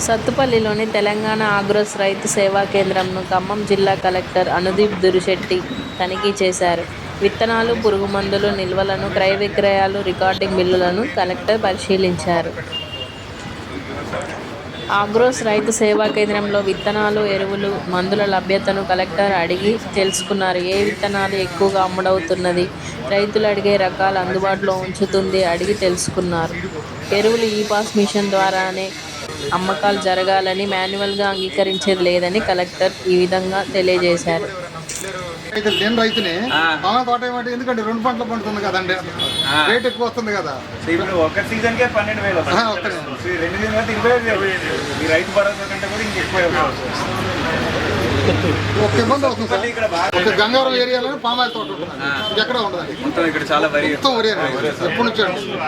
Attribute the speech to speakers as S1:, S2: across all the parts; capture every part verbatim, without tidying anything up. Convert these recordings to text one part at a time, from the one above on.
S1: సత్తుపల్లిలోని తెలంగాణ ఆగ్రోస్ రైతు సేవా కేంద్రంను ఖమ్మం జిల్లా కలెక్టర్ అనుదీప్ దురిశెట్టి తనిఖీ చేశారు. విత్తనాలు, పురుగుమందులు నిల్వలను, క్రయ విక్రయాలు, రికార్డింగ్ బిల్లులను కలెక్టర్ పరిశీలించారు. ఆగ్రోస్ రైతు సేవా కేంద్రంలో విత్తనాలు, ఎరువులు, మందుల లభ్యతను కలెక్టర్ అడిగి తెలుసుకున్నారు. ఏ విత్తనాలు ఎక్కువగా అమ్ముడవుతున్నది, రైతులు అడిగే రకాలు అందుబాటులో ఉంచుతుంది అడిగి తెలుసుకున్నారు. ఎరువులు ఈ పాస్ మిషన్ ద్వారానే అమ్మకాలు జరగాలని, మాన్యువల్గా అంగీకరించేది లేదని కలెక్టర్ ఈ విధంగా తెలియజేశారు.
S2: నేను రైతుని బాగా తోట ఏమంటే ఎందుకంటే రెండు పంటలు పండుతుంది కదండి, రేట్ ఎక్కువ వస్తుంది కదా.
S3: ఒక సీజన్ కే పన్నెండు వేలు రెండు సీజన్ ఇరవై వేలు ఈ రైతు భరోసా కంటే కూడా ఇంకెక్కువ
S2: ఒక ఇబ్బంది అవుతుంది సార్. ఒక గంగారం ఏరియాలో పామాయిల్ తోట ఉంటుంది, ఎక్కడ ఉండదు
S3: మొత్తం ఇక్కడ చాలా వరి
S2: మొత్తం వరి ఎప్పటి నుంచి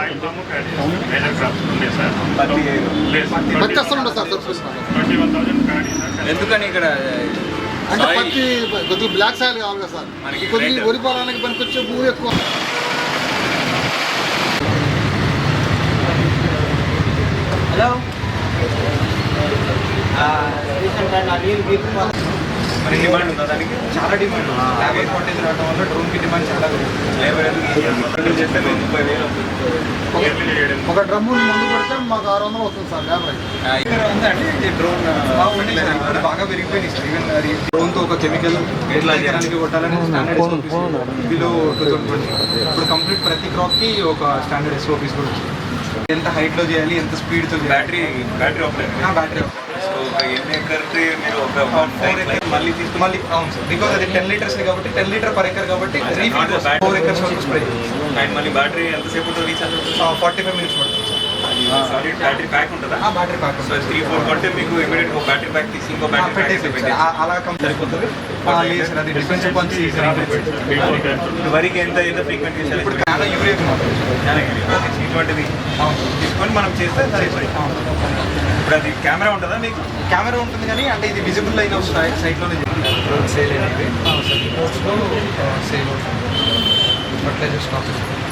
S2: పత్తి అసలు ఉండదు సార్.
S3: ఎందుకని ఇక్కడ
S2: అంటే పత్తి కొద్దిగా బ్లాక్ సాయిల్ కావాలి కదా సార్, కొద్దిగా వరి పొలానికి పనికొచ్చే భూమి ఎక్కువ.
S3: హలో మరి డిమాండ్ ఉందా దానికి? చాలా డిమాండ్. లేబర్ షార్టేజ్ రావడం వల్ల డ్రోన్కి డిమాండ్ చాలా లేబర్ చేస్తే ముప్పై వేలు
S2: ఒక డ్రమ్ము ముందు పడితే మాకు ఆరు వందలు వస్తుంది సార్ లేబర్.
S3: ఉందండి డ్రోన్ బాగా పెరిగిపోయినాయి సార్. ఈవెన్ డ్రోన్తో ఒక కెమికల్ ఎట్లా చేయడానికి కొట్టాలని స్టాండర్డ్ ఇందులో టూ థౌసండ్ ట్వంటీ ఇప్పుడు కంప్లీట్ ప్రతి క్రాప్కి ఒక స్టాండర్డ్ ఎస్ఓపీస్ కూడా వచ్చింది. ఎంత హైట్లో చేయాలి, ఎంత స్పీడ్తో బ్యాటరీ బ్యాటరీ ఆపరేట్ బ్యాటరీ ఎన్ని ఎకర్కి మీరు ఒక ఫోర్ ఎకర్ మళ్ళీ తీసుకు మళ్ళీ అవును సార్. బికాజ్ అది టెన్ లీటర్స్ కాబట్టి టెన్ లీటర్ పర్ ఎకర్ కాబట్టి ఫోర్ ఎకర్స్ వరకు స్ప్రే. అండ్ మళ్ళీ బ్యాటరీ ఎంతసేపు రీచ్ అవుతుంది? ఫార్టీ ఫైవ్ మినిట్స్ పడుతుంది సార్. బ్యాటరీ ప్యాక్ ఉంటుందా? బ్యాటరీ ప్యాక్ ఉంటుంది. త్రీ ఫోర్ కొంటే మీకు ఇమీడియట్ ఒక బ్యాటరీ ప్యాక్ తీసి ఇంకో బ్యాటరీ పెట్టేసి అలా కంపెనీ సరిపోతుంది. అది డిఫరెన్స్ వరికి ఎంత ఎంత ఫ్రీక్వెంట్ చేయాలి? ఇప్పుడు చాలా యూరియా ఇటువంటిది తీసుకొని మనం చేస్తే సరిపోతుంది. ఇప్పుడు అది కెమెరా ఉంటుందా మీకు? కెమెరా ఉంటుంది కానీ అంటే ఇది విజిబుల్ అయిన సైట్లోనే సేల్ అనేది సేల్ ఫర్టిలైజర్ స్టాక్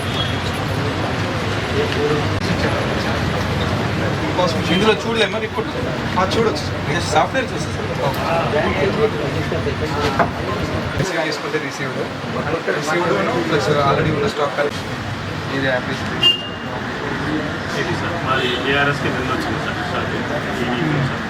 S3: ఇందులో చూడలేమా రిపోర్ట్? చూడొచ్చు సార్, సాఫ్ట్వేర్ చూస్తే సార్ వేసుకుంటే రిసీవ్డ్ రిసీవ్డ్ ప్లస్ ఆల్రెడీ ఉన్న స్టాక్ ఇది యాప్
S4: ఇది సార్ మాది ఏఆర్ఎస్కి నిన్న వచ్చింది సార్.